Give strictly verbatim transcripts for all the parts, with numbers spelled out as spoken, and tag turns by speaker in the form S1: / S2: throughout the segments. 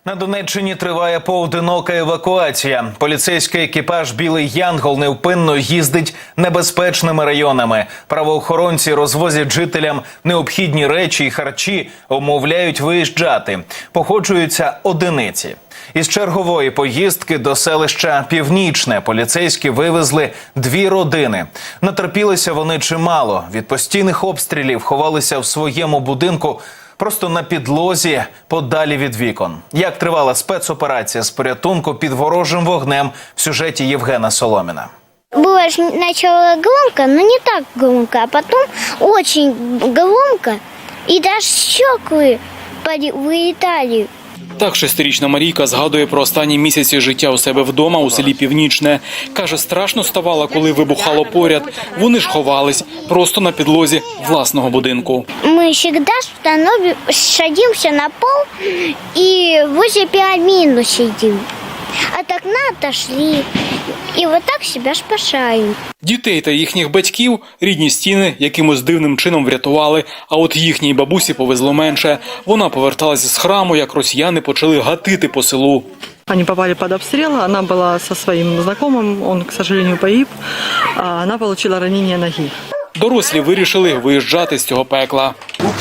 S1: На Донеччині триває поодинока евакуація. Поліцейський екіпаж «Білий Янгол» невпинно їздить небезпечними районами. Правоохоронці розвозять жителям необхідні речі і харчі, умовляють виїжджати. Походжуються одиниці. Із чергової поїздки до селища Північне поліцейські вивезли дві родини. Натерпілися вони чимало. Від постійних обстрілів ховалися в своєму будинку просто на підлозі, подалі від вікон. Як тривала спецоперація з порятунку під ворожим вогнем в сюжеті Євгена Соломіна.
S2: Было сначала громко, но не так громко, а потом очень громко, и даже стекла вылетали.
S3: Так шестирічна Марійка згадує про останні місяці життя у себе вдома у селі Північне. Каже, страшно ставало, коли вибухало поряд. Вони ж ховались просто на підлозі власного будинку.
S2: Мы всегда становим, садимся на пол и возле пианино сидим. От окна отошли. І вот так себе спасаємо.
S3: Дітей та їхніх батьків рідні стіни якимось дивним чином врятували, а от їхній бабусі повезло менше. Вона поверталася з храму, як росіяни почали гатити по селу.
S4: Они попали под обстрел, она была со своим знакомым, он, к сожалению, погиб, а она получила ранение ноги.
S3: Дорослі вирішили виїжджати з цього пекла.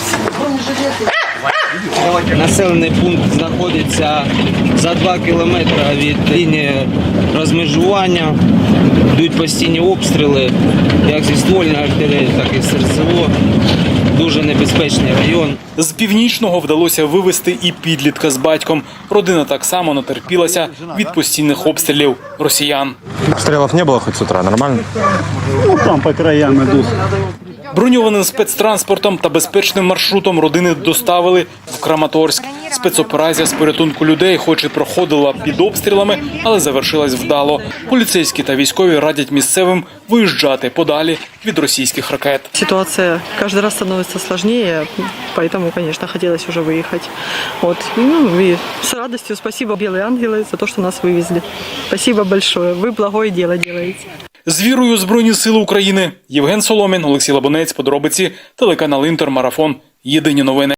S5: Населений пункт знаходиться за два кілометри від лінії розмежування. Йдуть постійні обстріли, як зі ствольної артилерії, так і з РСО. Дуже небезпечний район.
S3: З Північного вдалося вивезти і підлітка з батьком. Родина так само натерпілася від постійних обстрілів росіян.
S6: Обстрілів не було хоч з утра, нормально?
S7: Ну, там по краям ідуть.
S3: Броньованим спецтранспортом та безпечним маршрутом родини доставили в Краматорськ. Спецоперація з порятунку людей хоч і проходила під обстрілами, але завершилась вдало. Поліцейські та військові радять місцевим виїжджати подалі від російських ракет.
S4: Ситуация каждый раз становится сложнее, поэтому, конечно, хотелось уже выехать. Вот. Ну, и с радостью спасибо «Белые ангелы» за то, что нас вывезли. Спасибо большое. Вы благое дело делаете.
S3: З вірою у Збройні Сили України. Євген Соломін, Олексій Лабунець, подробиці, телеканал «Інтер», Марафон. Єдині новини.